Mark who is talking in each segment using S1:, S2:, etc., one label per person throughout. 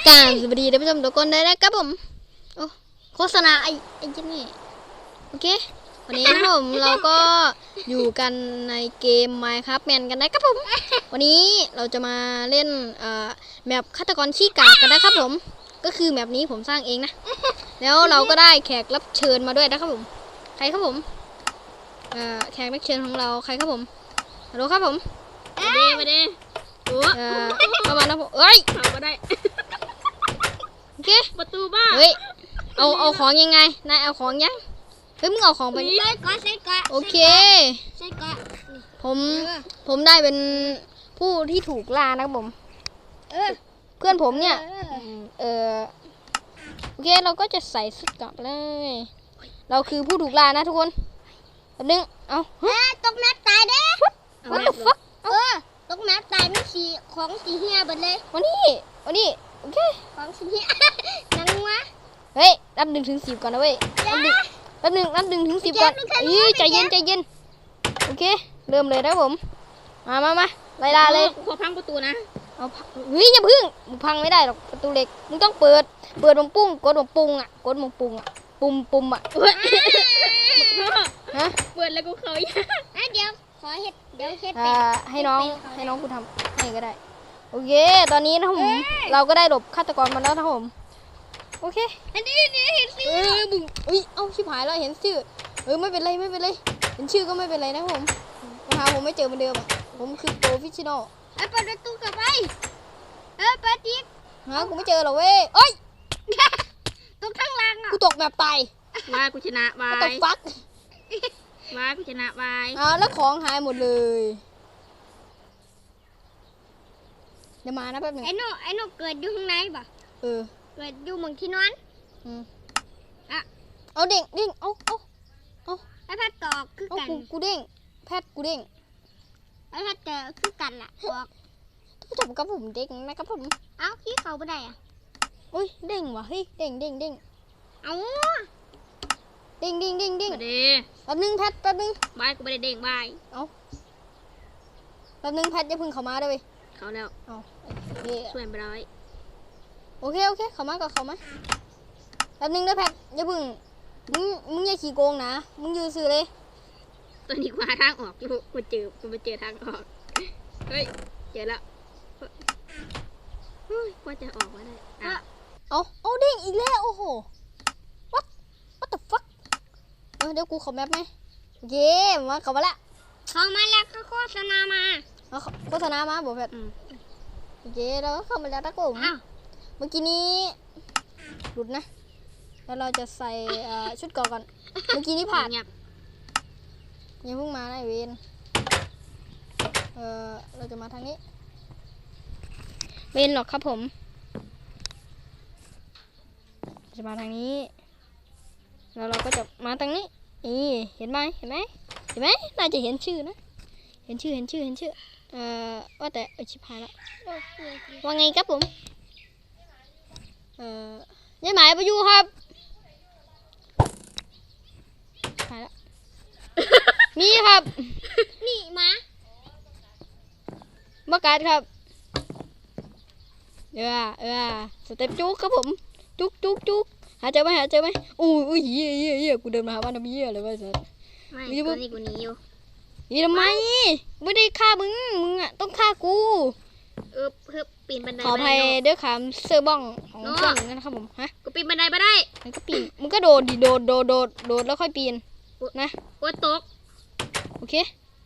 S1: กราบสวัสดีท่านผู้ชมทุกคนเลยนะครับผมโอ้โฆษณาไอ้เจนนี่โอเควันนี้นะครับผมเราก็อยู่กันในเกม Minecraft Man กันนะครับผมวันนี้เราจะมาเล่นแมปฆาตกรขี้กากกันนะครับผมก็คือแมปนี้ผมสร้างเองนะแล้วเราก็ได้แขกรับเชิญมาด้วยนะครับผมใครครับผมแขกรับเชิญของเราใครครับผมฮัลโหลครับผม
S2: มาดิ
S1: เข้ามานะผมเอ้ย
S2: เข้ามาได้
S1: โอเค
S2: ประตูบ้า
S1: เฮ้ยเอาของยังไงนายเอาของยังเฮ้ยมึงเอาของไป
S2: ใส่ก่อน
S1: โอเค
S2: ใส่ก่อน
S1: ผมได้เป็นผู้ที่ถูกล่านะครับผมเพื่อนผมเนี่ยโอเคเราก็จะใส่สุดกลับเลยเราคือผู้ถูกล่านะทุกคนแบบนึงเอา
S2: ตกแมปตายเด้
S1: What the fuck
S2: ตกแมปตายไม่สีของสีเฮียหมดเลย
S1: วันนี้โอเค
S2: ของสีเฮียนังวะ
S1: เฮ้ยนับ1 ถึง 10ก่อนนะเว้ยนับ1 ถึง 10ก่อนใจเย็นโอเคเริ่มเลยนะผมมาไล่ล่าเลย
S2: ขอพังประตูนะ
S1: เอาเฮ้ยอย่าพึ่งมึงพังไม่ได้หรอกประตูเหล็กมึงต้องเปิดวงปุ้งกดวงปุ้งอ่ะปุ่มอ่ะ
S2: ฮะเปิดแล้วกูเคยเดี๋ยวขอเห็ด
S1: ให้น้องกูทำให้ก็ได้โอเคตอนนี้นะผมเราก็ได้หลบฆาตกรมาแล้วนะผมโอเค
S2: อันนี้เห็นชื่อ
S1: มึงเอาชิบหายแล้วเห็นชื่อไม่เป็นไรเห็นชื่อก็ไม่เป็นไรนะผมผมไม่เจอเหมือนเดิมผมคือโปรเฟชชั่นอล
S2: เปิดประตูกลับไปเปิดดิ
S1: กูไม่เจอหรอเว้ยเอ้ย
S2: ตกข้างล่าง
S1: กูตกแบบตาย
S2: ว่ากูชนะบาย
S1: ตกฟัก
S2: ว่ากูชนะบาย
S1: แล้วของหายหมดเลยเดี๋ยวมานะแป๊บนึง
S2: ไอ้หนูเกิดอยู่ข้างในป่ะเกิดอยู่เมืองที่นอน
S1: เอาเด้งเอา
S2: ไอ้แพทย์ตอกคือกัน
S1: กูเด้งแพทย์กูเด้ง
S2: ไอ้แพทย์เจอคือกันล่ะบอก
S1: จบกับผมเด้งนะครับผม
S2: ขี้เขาไม่ได้
S1: อุ้ยเด้งว่ะเฮ้ยเด้งเด้งเด้งแป๊บนึงแพทแป๊บนึง
S2: บายกูไม่ได้เด้งบาย
S1: แป๊บนึงแพทอย่าพึ่งเข้ามาด้วย
S2: เขาแล้วช่วยไปร้อย
S1: โอเคเข้ามาแป๊บนึงนะแพทอย่าพึ่งมึงอย่าขี้โกงนะมึงยืนซื่อเลย
S2: ตอนนี้กูหาทางออกกูไปเจอทางออกเฮ้ยเจอแล้วกว่าจะออกมาได้
S1: เอาเด้งอีกแล้วโอ้โห what the fuck เดี๋ยวกูขอแมปไหมโอเคมาเข้ามาแล้ว
S2: ก็โฆษณามา
S1: โฆษณามาบอกแพทโอเคเราก็เข้ามาแล้วนะผมเมื่อกี้นี้หลุดนะแล้วเราจะใส่ชุดเกราะก่อนเมื่อกี้นี้ผ่านยังเพิ่งมานะเวนเราจะมาทางนี้เวนหรอกครับผมจะมาทางนี้แล้วเราก็จะมาทางนี้เห็นไหมน่าจะเห็นชื่อนะเห็นชื่อว่าแต่ชิบหายละว่าไงครับผมยายหมายไปอยู่ครับหายละนี่ครับ
S2: นี่มา
S1: บักกัดครับสเต็ปจุกครับผมจุกหาเจอไหมอุ้ยเหี้ยกูเดินมาหาบ้านทำเหี้ยเลยว่าสัส
S2: ไม่ตัวนี้กูหนีอยู่
S1: ทำไมไม่ได้ฆ่ามึงอ่ะต้องฆ่ากู
S2: เพื่อปีนบันได
S1: ขออภัยด้วยคำเสื้อบ้องของเพื่อนนะครับผม
S2: กูปีนบันไดไม่ได้
S1: มันก็ปีนมึงก็โดดดิโดดแล้วค่อยปีนนะ
S2: ตก
S1: โอเค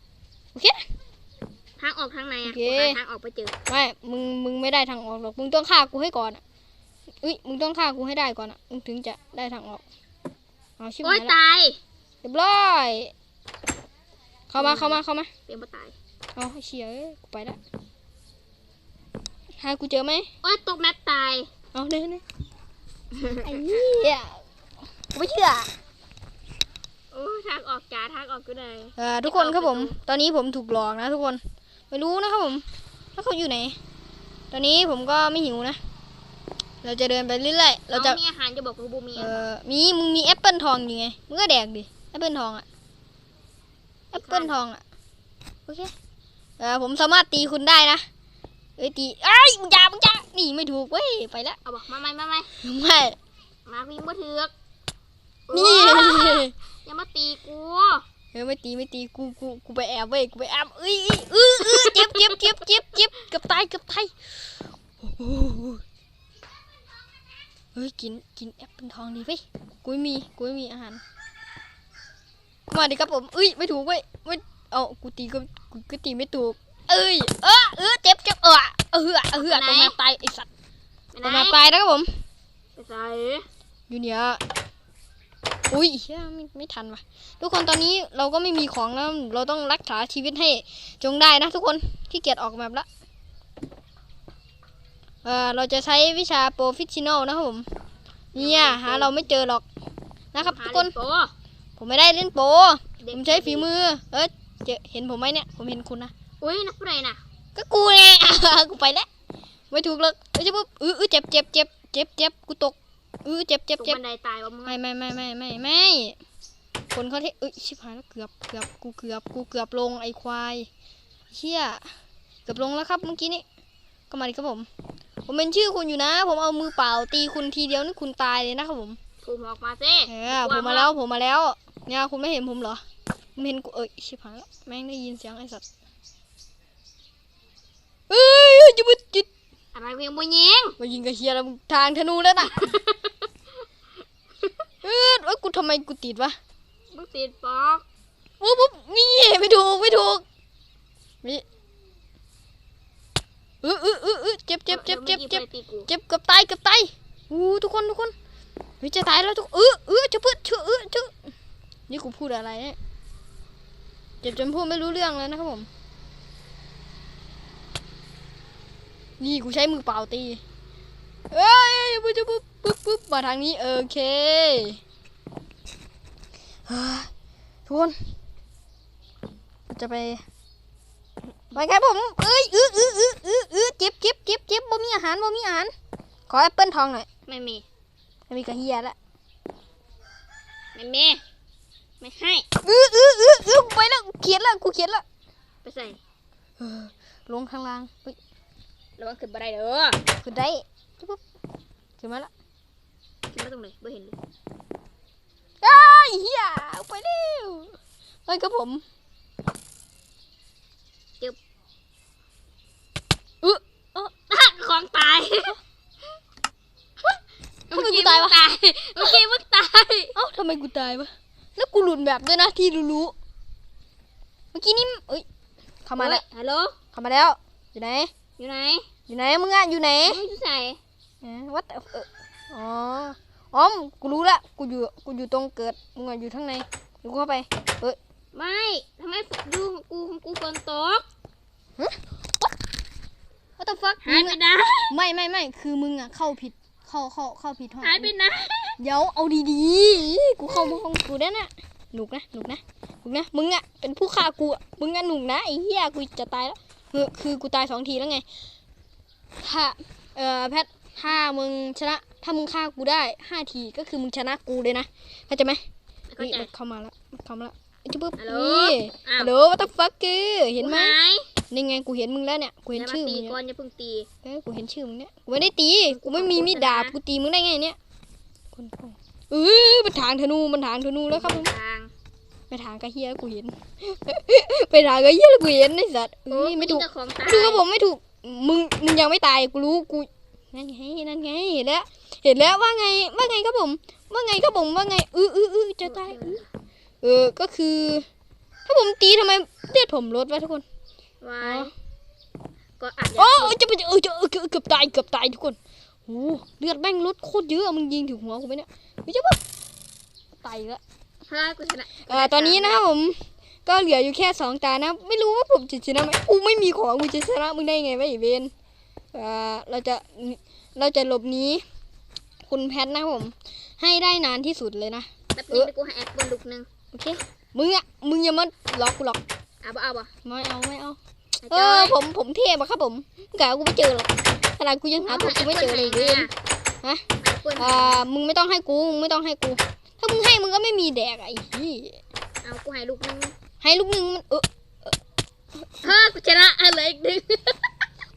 S2: ทางออกทางไหนทางออกไปเจอ
S1: ไม่มึงไม่ได้ทางออกหรอกมึงต้องฆ่ากูให้ก่อนมึงต้องฆ่ากูให้ได้ก่อนมึงถึงจะได้ทางออกเอาชิบหายละ
S2: ตาย
S1: เรียบร้อยเข้ามา
S2: เตรียมมาตาย
S1: เฉียกูไปแล้วหากูเจอไหม
S2: ตกแมปตาย
S1: เด้ไอ้เหี้ยกูไม่เชื่อ
S2: ทางออกก็ได้
S1: ทุกคนครับผมตอนนี้ผมถูกหลอกนะทุกคนไม่รู้นะครับผมแล้วเขาอยู่ไหนตอนนี้ผมก็ไม่หิวนะเราจะเดินไปเรื่อยๆเราจะ
S2: มีอาหารจะบอกกูบู
S1: มีมึงมีแอปเปิลทองอยู่ไงมึงก็แดกดิแอปเปิลทองโอเคผมสามารถตีคุณได้นะเอ้ยตีไอ้มึงจ้านี่ไม่ถูกเว้ยไปละ
S2: เอาบอกมาไม่
S1: ไม่
S2: มาวิ่งบ่ถือก
S1: นี่
S2: อย่ามาตีกู
S1: ไม่ตีกูไปแอบเว้ยกูไปแอบเอ้ยเจ็บเกือบตายเฮ้ยกินแอปเปิลทองดีเว้ยกูไม่มีอาหารมาดิครับผมเอ้ยไม่ถูกเว้ยไม่เอากูตีไม่ถูกเอ้ยเจ็บตรงมาตายไอสัตว์ตรงมาตายนะครับผม
S2: ไปใส่
S1: อยู่เนี่ยอุ้ยเชี่ยไม่ทันว่ะทุกคนตอนนี้เราก็ไม่มีของแล้วเราต้องรักษาชีวิตให้จงได้นะทุกคนขี้เกียจออกแบบละเราจะใช้วิชาโปรฟิชชิโนนะครับผมเนี่ยหาเราไม่เจอหรอกนะครับทุกคนผมไม่ได้เล่นโปรผมใช้ฝีมือเห็นผมไหมเนี่ยผมเห็นคุณนะ
S2: อุ้ยนักอะไรน่ะ
S1: ก็กูไง กูไปแล้วไม่ถูกเลยใช่ปุ๊บเจ็บกูตกเจ็บ
S2: ตกบันไดตายวะมึง
S1: ไม่คนเขาชิบหายแล้วเกือบลงไอควายเชี่ยเกือบลงแล้วครับเมื่อกี้นี้ก็มาดิครับผมเป็นชื่อคุณอยู่นะผมเอามือเปล่าตีคุณทีเดียวนี่คุณตายเลยนะครับผม
S2: ถูกออกมาสิ
S1: ผมมาแล้วเนี่ยคุณไม่เห็นผมเหรอผมเห็นกูชิบหายแล้วแม่งได้ยินเสียงไอสัตว์จุด
S2: อะไรเวียงบุญยิง
S1: มายิงกับเฮียแล้วทางธนูแล้วน่ะกูทำไมกูติดวะ
S2: มึงติดปอก
S1: ปุ๊บนี่ไม่ถูกนี่เจ็บเกือบตายทุกคนเฮ้ยจะตายแล้วทุกจะพูดนี่กูพูดอะไรเนี่ยเจ็บจนพูดไม่รู้เรื่องแล้วนะครับผมนี่กูใช้มือเปล่าตีปุ๊บมาทางนี้โอเคทุกคนจะไปครับผมเจ็บบ่มีอาหารขอแอปเปิ้ลทองหน่อย
S2: ไม่มี
S1: กระเฮียละ
S2: ไม่มีไม่ให้
S1: ไปแล้วกูเขียนละ
S2: ไปใส่
S1: ลงข้างล่าง
S2: ระวังขึ้นบันไดเด้อ
S1: ขึ้นได้ปุ๊บขึ้นมาละ
S2: ขึ้นมาตรงไหนไม่เห็นเลย
S1: เฮียไปเร็วไปครับผม
S2: ของตาย
S1: ทำไมกูตายวะ
S2: เมื่อกี้มึงตาย
S1: ทำไมกูตายวะแล้วกูหลุดแบบด้วยนะที่รู้เมื่อกี้นี่เข้ามาแล้ว
S2: ฮัลโหล
S1: เข้ามาแล้วอยู่ไหน
S2: อยู่ไหน
S1: มึงอ่ะอยู่ไหน
S2: มึงจะใส่
S1: วัดอ๋อกูรู้ละกูอยู่ตรงเกิดมึงอ่ะอยู่ข้างในกูเข้าไป
S2: ไม่ทำไมดูของกูฝนตก
S1: What the fuck
S2: หายไปนะ
S1: ไม่คือมึงอ่ะเข้าผิดเข้าผิดห้อง
S2: หายไปนะ
S1: เดี๋ยวเอาดีๆกูเข้ามาห้องกูได้น่ะหนุกนะมึงอ่ะเป็นผู้ฆ่ากูอ่ะมึงอ่ะหนุกนะไอ้เหี้ยกูจะตายแล้วคือกูตาย2 ทีแล้วไงถ้าแพทถ้ามึงชนะถ้ามึงฆ่ากูได้5 ทีก็คือมึงชนะกูเลยนะเข้าใจไหมมันเข้ามาแล้วจุ๊บนี่ฮัลโหล what the fuck เห็นไหมนี่ไงกูเห็นมึงแล้วเนี่ยกูเห็นชื่อมึงเนี่ย
S2: ก่อนอย่าเพิ่งตี
S1: กูเห็นชื่อมึงเนี่ยกูไม่ได้ตีกูไม่มีมีดดาบกูตีมึงได้ไงเนี่ยมันถางธนูแล้วครับผมไปถางกระเฮียกูเห็นไปถางกระเฮียกูเห็นไอ้สัตว์ไม่ถูกดูครับผมไม่ถูกมึงยังไม่ตายกูรู้กูนั่นไงเห็นแล้วว่าไงครับผมว่าไงจะตายก็คือถ้าผมตีทำไมเลือดผมลดวะทุกคน
S2: ก็อาจจะ
S1: เกือบตายทุกคนโอ้เลือดแม่งลดโคตรเยอะมึงยิงถึงหัวกูไหมเนี่ยไม่ใช่ปะตายแล้ว
S2: กูชนะ
S1: ตอนนี้นะครับผมก็เหลืออยู่แค่2 ตานะไม่รู้ว่าผมจะชนะไหมกูไม่มีของกูจะชนะมึงได้ไงวะไอ้เวนเราจะหลบหนีคุณแพทนะครับผมให้ได้นานที่สุดเลยนะ
S2: แบบนี้กูให้แอปบนลูกนึง
S1: โอเคมึงอย่ามาล็อกกูหรอก
S2: เอาบ่
S1: ไม่เอาผมเทพอะครับผมกะกูไม่เจอหรอกขนาดกูยังหาตัวกูไม่เจอเลยเว้ยฮะมึงไม่ต้องให้กูถ้ามึงให้มึงก็ไม่มีแดกไอ้ที่
S2: เอากูให้ลูกนึง
S1: มัน
S2: กูชนะอะไรอีกนึง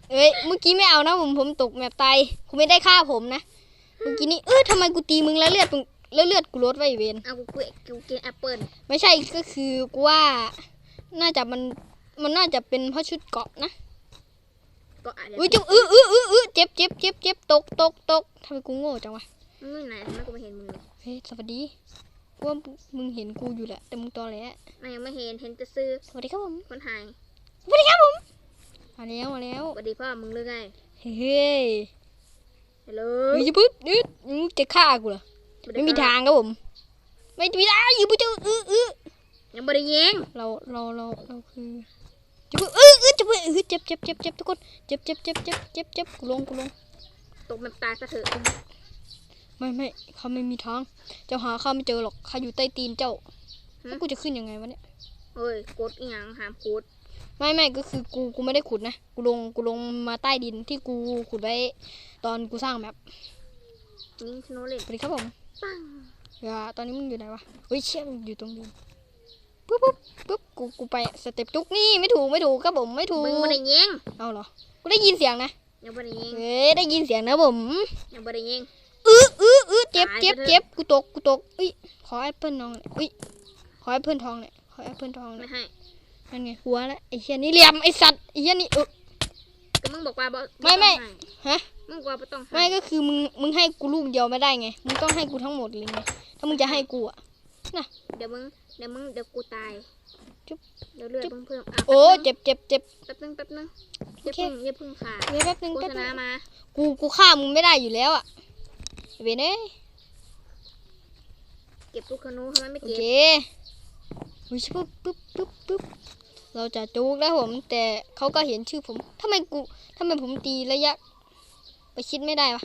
S1: เอ้ยเมื่อกี้ไม่เอานะผมตกแมปตายคุณไม่ได้ฆ่าผมนะเมื่อกี้นี้ทำไมกูตีมึงแล้วเลือดกูลดไว้เวน
S2: เอากูกินแอปเปิ้ล
S1: ไม่ใช่ก็คือกูว่าน่าจะมันน่าจะเป็นเพราะชุดเกราะนะ
S2: ก็อาจจะ
S1: อุ้ยจุ๊เจ็บตกทำไมกูโง่จังวะ
S2: มึงอยู่ไหนทำไมกูไม่เห็นมึงเลย
S1: เฮ้ยสวัสดีกูว่ามึงเห็นกูอยู่แหละแต่มึงตอแหล
S2: มันยังไม่เห็นแต่ซื้อ
S1: สวัสดีครับผม
S2: คนหาย
S1: สวัสดีครับผมมาแล้ว
S2: สวัสดีพ่อมึงหรือไง
S1: เฮ้ย
S2: ฮัลโหล
S1: เฮ้ยอย่าพึ่งมึงจะฆ่ากูเหรอไม่มีทางครับผมไม่มีทางอยู่ปุ๊บ
S2: ยังบ่ได้ยิง
S1: เราคือจะพึ่งจะพึ่งเจ็บทุกคนเจ็บกูลง
S2: ตกมันตายซะเถอะ
S1: ไม่เขาไม่มีทางเจ้าหาข้าไม่เจอหรอกข้าอยู่ใต้ตีนเจ้าแล้วกูจะขึ้นยังไงวะเนี่ย
S2: เฮ้ยกดอีหยังหามกด
S1: ไม่ก็คือกูไม่ได้ขุดนะกูลงมาใต้ดินที่กูขุดไว้ตอนกูสร้างแมป
S2: ยิงสโนว์เล่น
S1: สวัสดีครับผม
S2: ปัง
S1: ตอนนี้มึงอยู่ไหนวะเฮ้ยเชี่ยมึงอยู่ตรงดินปุ๊บกูไปสเต็ปจุกนี่ไม่ถูกครับผมไม่ถูก
S2: มึงบ่ได้ยิง
S1: เอาเหรอกูได้ยินเสียงนะ
S2: ยังบ่ได้ยิง
S1: เฮ้ยได้ยินเสียงนะผม
S2: ยังบ่ได้ยิง
S1: เจ็บกูตกอุ้ยขอแอปเปิลน้องหน่อยอุ้ยขอแอปเปิลทองหน่อย
S2: ไม่ให้
S1: นั่นไงหัวแล้วไอ้เหี้ยนี่เหลี่ยมไอ้สัตว์ไอ้เหี้ยนี่
S2: ก็มึงบอกว่าบ่
S1: ไม่ฮะ
S2: มึงบอกว่าบ่ต้องให้
S1: ไม่ก็คือมึงให้กูลูกเดียวไม่ได้ไงมึงต้องให้กูทั้งหมดเลยไงถ้ามึงจะให้กูอะน่ะ
S2: เดี๋ยวกูตาย
S1: จุ๊บ
S2: เดี๋ยวเลือดเพิ่ม
S1: โอ้เจ็บ
S2: แป๊บนึงอย่าเพิ่งขาด
S1: เดี๋ยวแป๊บนึง
S2: โฆษณามา
S1: กูฆ่ามึงไม่ได้อยู่แล้วอะเวนเอ้ย
S2: เก็บลูกขนุนทำไมไม่
S1: โอ
S2: เก็บ
S1: เคอุ้ยปุ๊บเราจะจูกแล้วผมแต่เขาก็เห็นชื่อผมทำไมผมตีระยะไปคิดไม่ได้วะ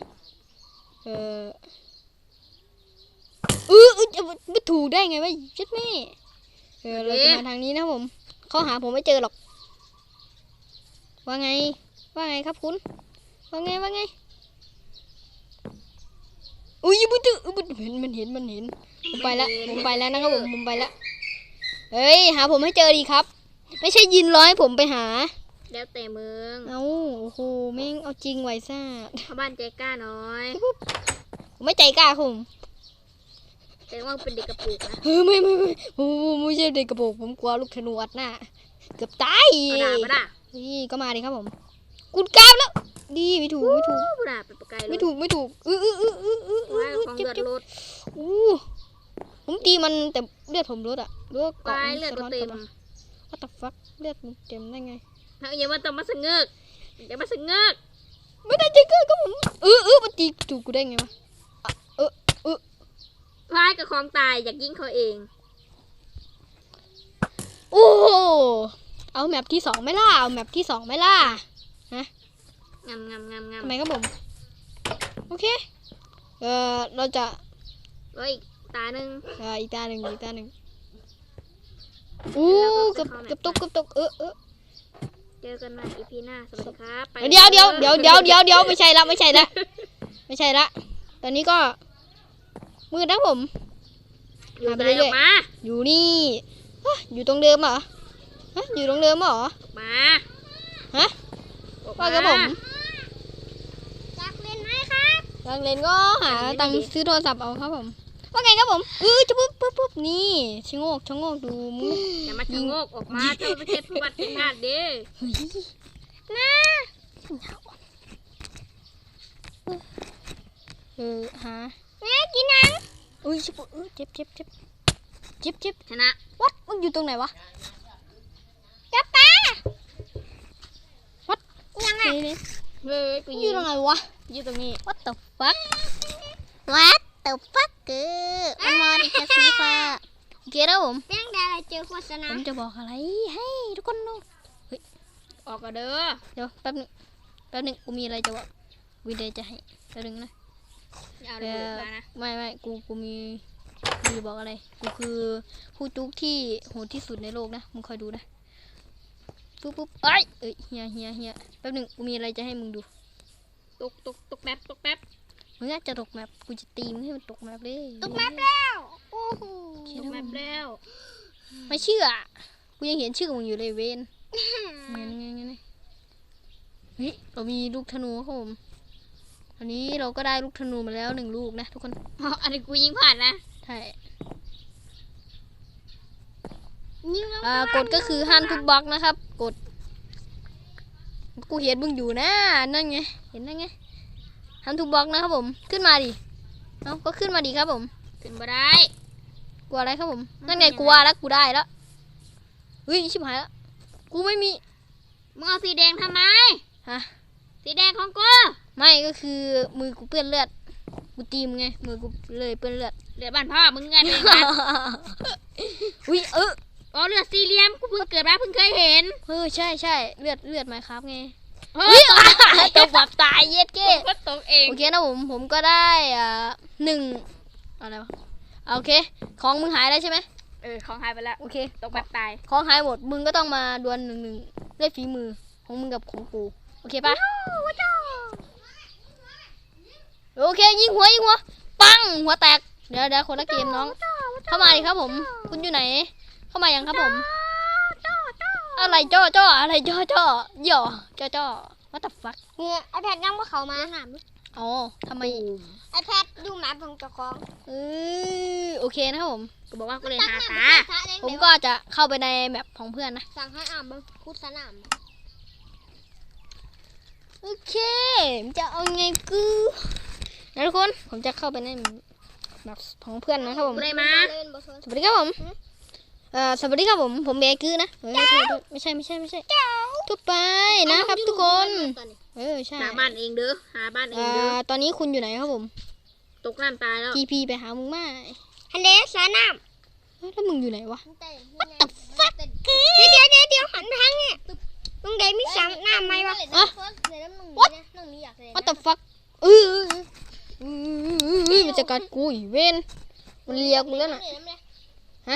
S1: จะไม่ถูกได้ไงวะชิดแม่เราจะมาทางนี้นะผมเขาหาผมไม่เจอหรอกว่าไงครับคุณว่าไงอุ้ยมันเห็นผมไปแล้วนะครับผมไปแล้วเฮ้ยหาผมให้เจอดีครับไม่ใช่ยินร้อยผมไปหา
S2: แล้วแต่มึง
S1: เอาโอ้โหแม่งเอาจริงไว้ซ่า
S2: เข้าบ้านใจกล้าน้อย
S1: ผมไม่ใจกล้าครับผม
S2: แต่ว่าเป็นเด็กกระปุกนะ
S1: ไม่ใช่เด็กกระโปรงผมกลัวลูกธนูอัดหน้าเกือบตาย
S2: มาด่า
S1: นี่ก็มาดิครับผมกุดกล้ามแล้วดีไม่ถูก
S2: มาด่าไปปะไกลเลย
S1: ไม่ถูก
S2: ว่าของเลือดลด
S1: ผมตีมันแต่เลือดผมลดอะเลือด
S2: ไปเลือดเต็ม
S1: What the fuck เลือดมึงเต็มได้ไง
S2: อย่ามาต้องมาสะเงือก
S1: ไม่ได้ใจเกินก็ผมมันตีถูกกูได้ไงวะ
S2: พายกับของตายอยากยิงเขาเอง
S1: โอ้เอาแมปที่2ไหมล่ะฮะ
S2: งาม
S1: ทำไมครับผมโอเคเราจะ
S2: อีกตาหนึ่ง
S1: อีกตาหนึ่งเกือบตก
S2: เจอกันใหม่ EP หน้าสวัสดีครับไป
S1: เดี๋ยวไม่ใช่ละตอนนี้ก็มืดนะผม
S2: อยู่ไหนออกมา
S1: อยู่นี่อยู่ตรงเดิมเหรออยู่ตรงเดิมเหรอ
S2: มา
S1: ว่ากับผม
S2: อยากเล่นไหมครับ
S1: อยากเล่นก็หาตังค์ซื้อโทรศัพท์เอาครับผมว่าไงครับผมจะปุ๊บนี่ชะโงกดูมึง
S2: อย่ามาชะโงกออกมาเจ้าไม่ใช่ผู้บัตรชาติเด้
S1: หาแม่กินนังเจ็บ
S2: ชนะ
S1: วัดมึงอยู่ตรงไหนวะกับป้าวัดยังไง
S2: เฮ้ยกู
S1: อยู่ตรงไหนวะ
S2: อยู่ตรงนี้
S1: What the fuck มันมาดิจะสีฟ้าโอเคแล้วผมเรื่องใดเจอโฆษณาผมจะบอกอะไรให้ทุกคนดูเฮ้ย
S2: ออกกันเด้อ
S1: เดี๋ยวแป๊บนึงกูมีอะไรจะบอกวิดีโอจะให้แป๊บนึงนะ
S2: เอาเลยนะ
S1: ไม่กูมีจะบอกอะไรกูคือผู้จุกที่โหดที่สุดในโลกนะมึงคอยดูนะปุ๊บเอ้ยเฮียแป๊บนึงกูมีอะไรจะให้มึงดู
S2: ตกแป๊บ
S1: มึงอาจจะตกแมปกูจะตีมึงให้มันตกแมปเลย
S2: ตกแมปแล้วโอ้โหตกแมปแล้ว
S1: ไม่เชื่อกูยังเห็นชื่อมึงอยู่เลยเวนงั้นเฮ้ยเรามีลูกธนูครับผมอันนี้เราก็ได้ลูกธนูมาแล้ว1 ลูกนะทุกคน
S2: อ๋ออันนี้กูยิงผ่านนะ
S1: ใช่
S2: ยิงแล้ว
S1: กฎก็คือห้ามทุบบล็อกนะครับกฎกูเห็นมึงอยู่นะนั่นไงเห็นนั่นไงห้ามทุบบล็อกนะครับผมขึ้นมาดิเอาก็ขึ้นมาดิครับผม
S2: ขึ้นมาได้
S1: กลัวอะไรครับผมนั่นไงกูว่าแล้วกูได้แล้วเฮ้ยชิบหายแล้วกูไม่มี
S2: มึงเอาสีแดงทำไม
S1: ฮะ
S2: สีแดงของกู
S1: ไม่ก็คือมือกูเปื้อนเลือดกูตีมไงมือกูเลยเปื้อนเลือด
S2: เลือดบ้านพ่อมึงไงเป็นไง
S1: อุ้ย
S2: อ๋อเลือดสี่เหลี่ยมกูเพิ่งเกิดมาเพิ่งเคยเห็น
S1: ใช่เลือดไหมครับไง
S2: เฮ้ย
S1: ตกแบบตายเย็ดเก้
S2: ก็ตกเอง
S1: โอเคนะผมก็ได้1อะไรวะโอเคของมึงหายแล้วใช่ไหม
S2: ของหายไปแล้ว
S1: โอเค
S2: ตกแบบตาย
S1: ของหายหมดมึงก็ต้องมาดวล1-1ด้วยฝีมือของมึงกับของกูโอเคปะโอเคยิงหัวปังหัวแตกเดี๋ยวคนละเกมน้องเข้ามาดิครับผมคุณอยู่ไหนเข้ามายังครับผมอะไรจ้ออะไรจ้อหย่อจ้อ what the fuck
S3: เนี่ยไอแพดยังว่าเขามาหาม
S1: อ๋อทำไม
S3: ไอแพดดูหมาของเจ้าของ
S1: โอเคนะครับผม
S2: กูบอกว่ากูเลยหาตา
S1: ผมก็จะเข้าไปในแมปของเพื่อนนะ
S3: สั่งให้อ่านบ้างคุดสนาม
S1: โอเคมันจะเอาไงกูนะทุกคนผมจะเข้าไปในแมปของเพื่อนนะครับผม
S2: กูเลยมา
S3: เล่นบอส
S1: สวัสดีครับผมสวัสดีครับผมเบกือนะเฮ้ยโทษไม่ใช่ทุบไปนะครับทุกคนใช่
S2: หาบ้านเองเด้อหาบ้านเองเด้อ
S1: ตอนนี้คุณอยู่ไหนครับผม
S2: ตกน้ำตายแล้ว
S1: TP ไปหามึงมา
S3: ฮันเดสนาม
S1: แล้วมึงอยู่ไหนวะ
S3: What the fuck เดี๋ยวหันไปทางเนี่ยตรงใดมีสามน้ำไหมวะ
S1: What What the fuck มันจะกัดกูอีเวนมันเลียกูแล้วน่ะฮะ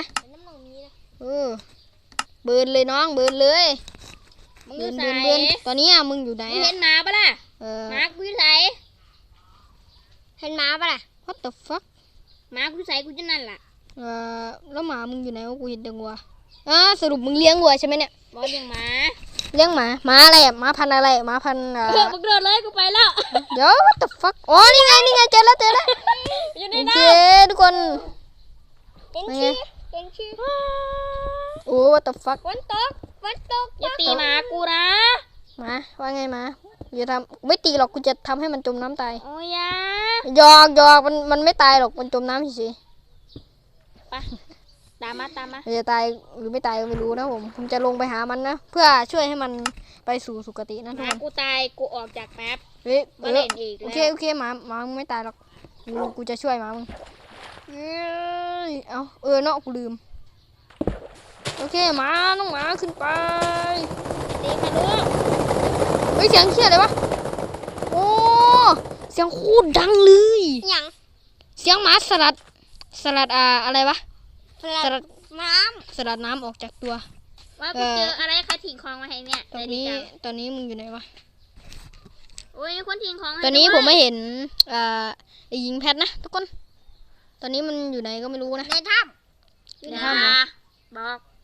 S1: เบิร์นเลยน้องเบิร์นเลย
S2: มึงอยู่ไหน
S1: เบิร์นตอนนี้มึงอยู่ไหน
S2: มึงเห็นหมาปะล่ะหมากูอยู่ไหน
S3: เห็นหมาปะล่ะ
S1: What the fuck
S2: หมากูใส่กูจะนั่นล่ะ
S1: แล้วหมามึงอยู่ไหนวะกูเห็นแต่วัวสรุปมึงเลี้ยงวัวใช่ไหมเนี่ย
S2: บอสยังหมา
S1: เลี้ยงหมาอะไรหมาพันธุ์อะไรหมาพันธุ์
S2: มึงเดินเลยกูไปแล้ว
S1: เดี๋ยว what the fuck อ๋อนี่ไงเจอแล้ว
S2: อยู่ใน
S1: โอ
S2: น้
S1: เคทุกคน
S3: เป็นชื่อเป็นชื่อ
S1: โอ้ what the fuck
S3: ฝนตก
S2: ำอย่าตีหมากูนะ
S1: หมาว่าไงหมาอย่าทำไม่ตีหรอกกูจะทำให้มันจมน้ำตาย
S2: โอ้ยา
S1: หยอกมันไม่ตายหรอกมันจมน้ำเฉย
S2: ไปตามมา
S1: ๆจะตายหรือไม่ตายก็ไม่รู้นะผมจะลงไปหามันนะเพื่อช่วยให้มันไปสู่สุคตินะ
S2: ห
S1: ทุก
S2: มา
S1: คน
S2: กูตายกูออกจากแป๊บ
S1: เฮ้ย
S2: มาเล่นอีก
S1: โอ
S2: แล้ว
S1: เคหมามึงไม่ตายหรอกกูจะช่วยหมามึงเอาเนาะกูลืมโอเคหมาน้องหมาขึ้นไป
S2: ตีค่ะลูก
S1: เฮ้ยเสียงเชี่ยอะไรวะโอ้เสียงโคตรดังเลย
S3: อย่าง
S1: เสียงหมาสลัดอะไรวะ
S3: สลัดน้
S1: สลัดน้ำออกจากตัว
S2: ว่ากูเจออะไรใครทิ้งของมาให้เนี่ย
S1: ตอน
S2: ใจดี
S1: นี้
S2: จัง
S1: ตอนนี้มึงอยู่ไหนวะ
S2: โอ้ยมีคนทิ้งของให้
S1: ตอนนี้
S2: ด้วย
S1: ผมไม่เห็นไอ้หญิงแพทนะทุกคนตอนนี้มันอยู่ไหนก็ไม่รู้นะ
S3: ำในถ้
S2: อย่าบอก